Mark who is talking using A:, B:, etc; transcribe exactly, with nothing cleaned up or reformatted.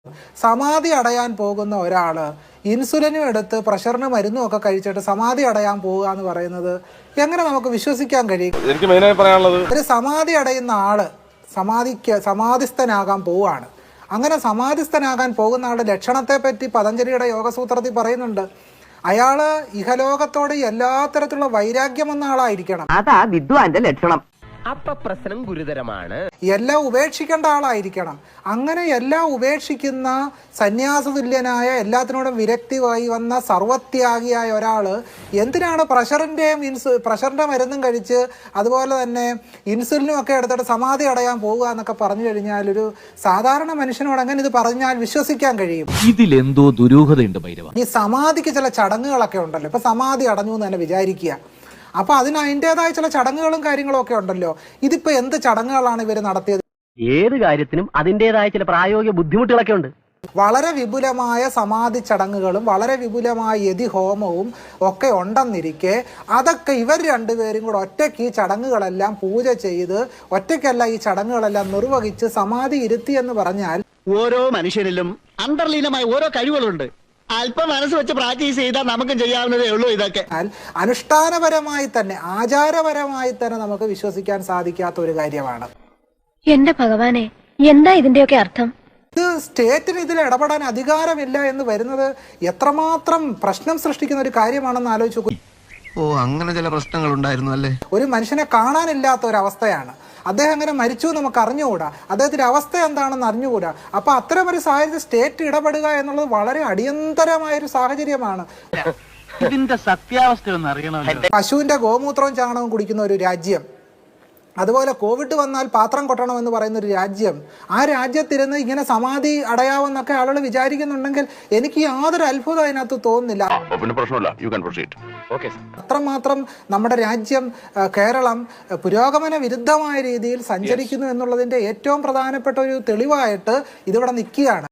A: സമാധി അടയാൻ പോകുന്ന ഒരാള് ഇൻസുലിനും എടുത്ത് പ്രഷറിന് മരുന്നും ഒക്കെ കഴിച്ചിട്ട് സമാധി അടയാൻ പോവുക എന്ന് പറയുന്നത് എങ്ങനെ നമുക്ക് വിശ്വസിക്കാൻ കഴിയും?
B: എനിക്ക് മെയിനായി പറയാനുള്ളത്
A: ഒരു സമാധി അടയുന്ന ആള് സമാധിക്ക് സമാധിസ്ഥനാകാൻ പോവുകയാണ്. അങ്ങനെ സമാധിസ്ഥനാകാൻ പോകുന്ന ആളുടെ ലക്ഷണത്തെ പറ്റി പതഞ്ജലിയുടെ യോഗസൂത്രത്തിൽ പറയുന്നുണ്ട്. അയാള് ഇഹലോകത്തോട് എല്ലാ തരത്തിലുള്ള വൈരാഗ്യം വന്ന ആളായിരിക്കണം.
C: അതാ വിദ്വാന്റെ ലക്ഷണം.
D: അപ്പൊ പ്രശ്നം ഗുരുതരമാണ്.
A: എല്ലാം ഉപേക്ഷിക്കേണ്ട ആളായിരിക്കണം. അങ്ങനെ എല്ലാം ഉപേക്ഷിക്കുന്ന സന്യാസതുല്യനായ എല്ലാത്തിനോടും വിരക്തിയായി വന്ന സർവത്യാഗിയായ ഒരാള് എന്തിനാണ് പ്രഷറിന്റെയും ഇൻസു പ്രഷറിന്റെ മരുന്നും കഴിച്ച് അതുപോലെ തന്നെ ഇൻസുലിനും ഒക്കെ എടുത്തിട്ട് സമാധി അടയാൻ പോവുക എന്നൊക്കെ പറഞ്ഞു കഴിഞ്ഞാൽ ഒരു സാധാരണ മനുഷ്യനോട് അങ്ങനെ ഇത് പറഞ്ഞാൽ വിശ്വസിക്കാൻ കഴിയും?
E: ഇതിലെന്തോ ദുരൂഹതയുണ്ട് ഭൈരവ.
A: ഈ സമാധിക്ക് ചില ചടങ്ങുകളൊക്കെ ഉണ്ടല്ലോ. ഇപ്പൊ സമാധി അടഞ്ഞു എന്ന് തന്നെ വിചാരിക്കുക. അപ്പൊ അതിന് അതിൻ്റെതായ ചില ചടങ്ങുകളും കാര്യങ്ങളും ഒക്കെ ഉണ്ടല്ലോ. ഇതിപ്പോ എന്ത് ചടങ്ങുകളാണ് ഇവർ നടത്തിയത്?
C: ഏത് കാര്യത്തിനും അതിന്റേതായ ചില പ്രായോഗിക ബുദ്ധിമുട്ടുകളൊക്കെ ഉണ്ട്.
A: വളരെ വിപുലമായ സമാധി ചടങ്ങുകളും വളരെ വിപുലമായ യതി ഹോമവും ഒക്കെ ഉണ്ടെന്നിരിക്കെ അതൊക്കെ ഇവർ രണ്ടുപേരും കൂടെ ഒറ്റയ്ക്ക് ഈ ചടങ്ങുകളെല്ലാം പൂജ ചെയ്ത് ഒറ്റയ്ക്കല്ല ഈ ചടങ്ങുകളെല്ലാം നിർവഹിച്ച് സമാധി ഇരുത്തി എന്ന് പറഞ്ഞാൽ
F: ഓരോ മനുഷ്യനിലും അന്തർലീനമായ ഓരോ കഴിവുകളുണ്ട്. അല്പം മനസ്സ് വെച്ച് പ്രാക്ടീസ് ചെയ്താൽ നമുക്കും ചെയ്യാവുന്നതേ ഉള്ളൂ. ഇതൊക്കെ
A: അനുഷ്ഠാനപരമായി തന്നെ ആചാരപരമായി തന്നെ നമുക്ക് വിശ്വസിക്കാൻ സാധിക്കാത്ത ഒരു കാര്യമാണ്.
G: എന്റെ ഭഗവാനെ, എന്താ ഇതിന്റെയൊക്കെ അർത്ഥം?
A: ഇത് സ്റ്റേറ്റിന് ഇതിൽ ഇടപെടാൻ അധികാരമില്ല എന്ന് വരുന്നത് എത്രമാത്രം പ്രശ്നം സൃഷ്ടിക്കുന്ന ഒരു കാര്യമാണെന്ന് ആലോചിച്ച് നോക്കൂ.
H: ഓ, അങ്ങനെ ചില പ്രശ്നങ്ങൾ ഉണ്ടായിരുന്നു അല്ലേ?
A: ഒരു മനുഷ്യനെ കാണാനില്ലാത്ത ഒരവസ്ഥയാണ്. അദ്ദേഹം അങ്ങനെ മരിച്ചു നമുക്ക് അറിഞ്ഞുകൂടാ. അദ്ദേഹത്തിന്റെ അവസ്ഥ എന്താണെന്ന് അറിഞ്ഞുകൂടാ. അപ്പൊ അത്തരം ഒരു സാഹചര്യം സ്റ്റേറ്റ് ഇടപെടുക എന്നുള്ളത് വളരെ അടിയന്തരമായ ഒരു സാഹചര്യമാണ്.
E: ഇതിന്റെ സത്യാവസ്ഥ ഒന്ന് അറിയണം.
A: പശുവിന്റെ ഗോമൂത്രവും ചാണകവും കുടിക്കുന്ന ഒരു രാജ്യം, അതുപോലെ കോവിഡ് വന്നാൽ പാത്രം കൊട്ടണം എന്ന് പറയുന്ന ഒരു രാജ്യം, ആ രാജ്യത്തിരുന്ന് ഇങ്ങനെ സമാധി അടയാവെന്നൊക്കെ ആളുകൾ വിചാരിക്കുന്നുണ്ടെങ്കിൽ എനിക്ക് യാതൊരു അത്ഭുതം അതിനകത്ത് തോന്നുന്നില്ല. അത്രമാത്രം നമ്മുടെ രാജ്യം കേരളം പുരോഗമന വിരുദ്ധമായ രീതിയിൽ സഞ്ചരിക്കുന്നു എന്നുള്ളതിന്റെ ഏറ്റവും പ്രധാനപ്പെട്ട ഒരു തെളിവായിട്ട് ഇതിവിടെ നിൽക്കുകയാണ്.